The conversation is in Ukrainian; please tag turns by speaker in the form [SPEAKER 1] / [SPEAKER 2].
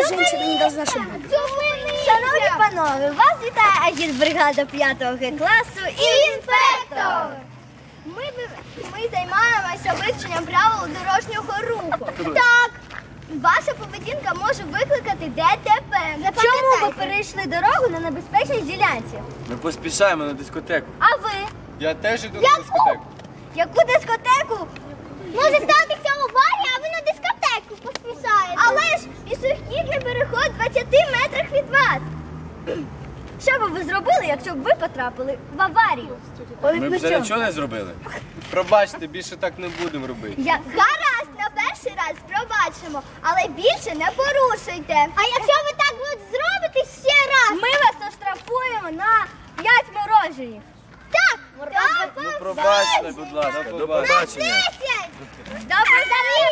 [SPEAKER 1] Эта женщина не должна шуметь.
[SPEAKER 2] Шановні панове, вас вітає агітбригада 5 класу і інспектор. Ми займаємося вивченням правил дорожнього руху. Так, ваша поведінка може викликати ДТП. Чому ви перейшли дорогу на небезпечній ділянці?
[SPEAKER 3] Ми поспішаємо на дискотеку.
[SPEAKER 2] А ви?
[SPEAKER 4] Я теж іду на дискотеку.
[SPEAKER 2] Яку дискотеку? Може статися аварія, а ви на дискотеку поспішаєте. Але ж пішохідний переход 20 метрах від вас. Що би ви зробили, якщо б ви потрапили в аварію?
[SPEAKER 3] Ми б вже нічого не зробили.
[SPEAKER 4] Пробачте, більше так не будемо робити.
[SPEAKER 2] Гаразд, на перший раз пробачимо, але більше не порушуйте. А якщо ви так зробите ще раз? Ми вас оштрафуємо на 5 мороженів. Так!
[SPEAKER 3] Ну пробачте, будь ласка, до побачення.
[SPEAKER 2] До побачення!